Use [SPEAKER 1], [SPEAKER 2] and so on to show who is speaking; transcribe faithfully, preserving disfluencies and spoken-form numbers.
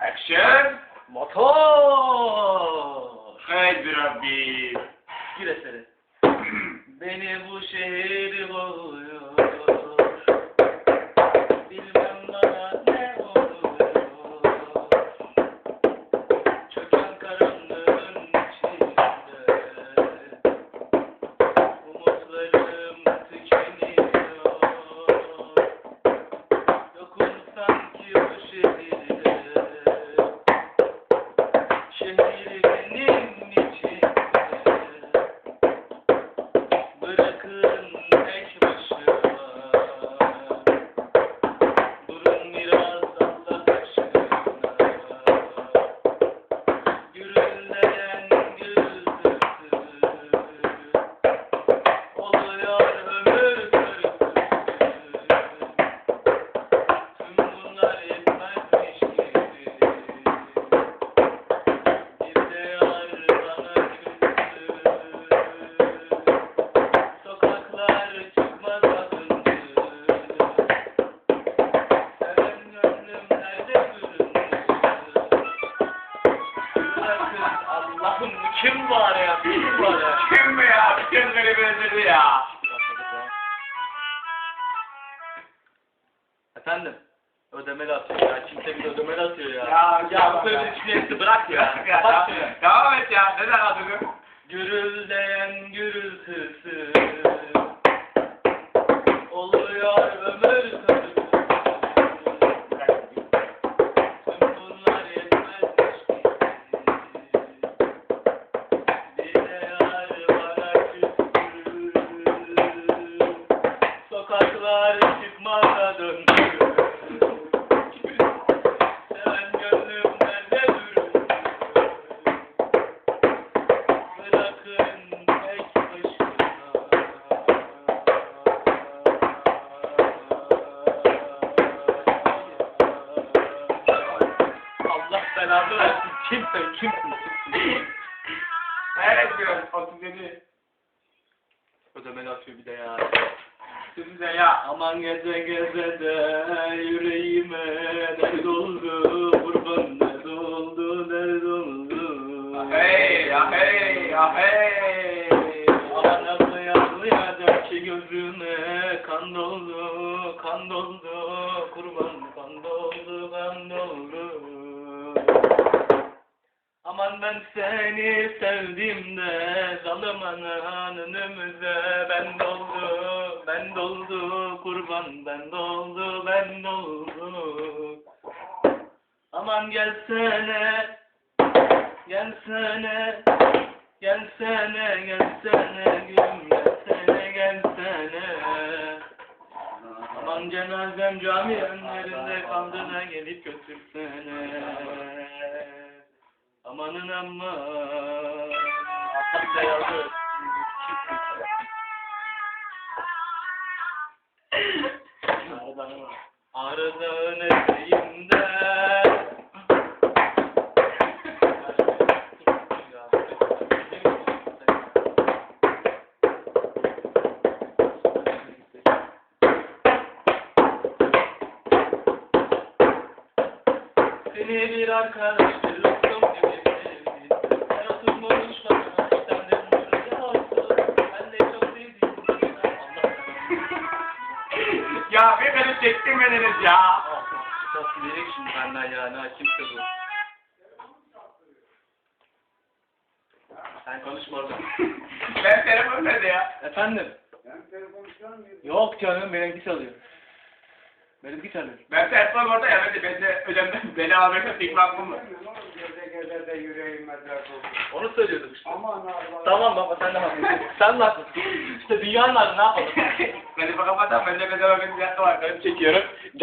[SPEAKER 1] Action.
[SPEAKER 2] Motor.
[SPEAKER 1] Haydi Rabbi.
[SPEAKER 2] Gir eseri. Beni bu şehir boğuyor. Bilmem bana ne oluyor. Çöken karanlığın içinde umutlarım tükeniyor. Yokum sanki bu şehirde. Şehir benim içimde. Bırakın tek başıma. Durun biraz Allah aşkına. Gürüldeyen gürültüsü. Oluyor ömür körüsü. Tüm bunlar yetmezmiş gibi. Bir de yar bana küstü. Sokaklar çıkmaz adındı. Seven gönlüm nerede göründü? Bırakın Allah'ım kim var ya? Kim var ya?
[SPEAKER 1] Kim mi ya? Bütün beni bezdirdi ya.
[SPEAKER 2] Efendim? Ödemeli atıyor ya. Kimse bir ödemeli atıyor ya.
[SPEAKER 1] Ya,
[SPEAKER 2] Ya bu
[SPEAKER 1] ya.
[SPEAKER 2] böyle düşüncesi bırak ya.
[SPEAKER 1] Ya,
[SPEAKER 2] Kapat
[SPEAKER 1] ya,
[SPEAKER 2] şunu.
[SPEAKER 1] devam et ya. Neden adını?
[SPEAKER 2] Gürüldeyen gürültüsü oluyor ömür körüsü. Tüm bunlar yetmezmiş gibi. Bir de yar bana küstü. Sokaklar çıkmaza döndü. Seven gönlüm nerede durur? Bırakın tek başına. Allah belanı versin. Kimsin? Kimsin?
[SPEAKER 1] Evet diyorum. otuz yedi.
[SPEAKER 2] Ödemeli atıyor bir de ya.
[SPEAKER 1] Size ya.
[SPEAKER 2] Aman geze geze de yüreğime dert oldu. Kurban dert oldu, dert oldu.
[SPEAKER 1] Hey, ya hey, ya hey.
[SPEAKER 2] Aman ablaya ablaya der ki gözüme kan doldu, kan doldu. Kurban kan doldu, kan doldu. Aman ben seni sevdim de zalımın önümüze ben doldu, ben doldu kurban ben doldu, ben doldu. Aman gelsene, gelsene, gelsene, gelsene gülüm gelsene, gelsene. Aman cenazem cami önlerinde kaldığına gelip götürsene. Amanın amma. Atak da yazdı. Ağrıdağın eteğinde. Seni bir arkadaş bir lokum gibi sevdim. Sen oturmuş bana sen de mutlu olsun. Ben de çok sevdim. Allah
[SPEAKER 1] Ya bir beni çektirmediniz ya.
[SPEAKER 2] Nasıl diyecek şimdi benden yani ha kimse bu. Sen konuşma orada.
[SPEAKER 1] Ben telefon nerede ya?
[SPEAKER 2] Efendim? Yok canım benimki çalıyor. Benimki çalıyor.
[SPEAKER 1] Ben telefon orada ya. Ben de, ben de ödemden beni alırsa tek hakkım mı?
[SPEAKER 3] Geze geze de yüreğim medrak oldu.
[SPEAKER 2] Onu söylüyorduk işte.
[SPEAKER 3] Aman Allah.
[SPEAKER 2] Tamam baba sen de haklısın. Sen de haklısın. İşte dünyanın adı ne yapalım?
[SPEAKER 1] Beni bakamazsan ben de bedava bir dakika var. Ben çekiyorum.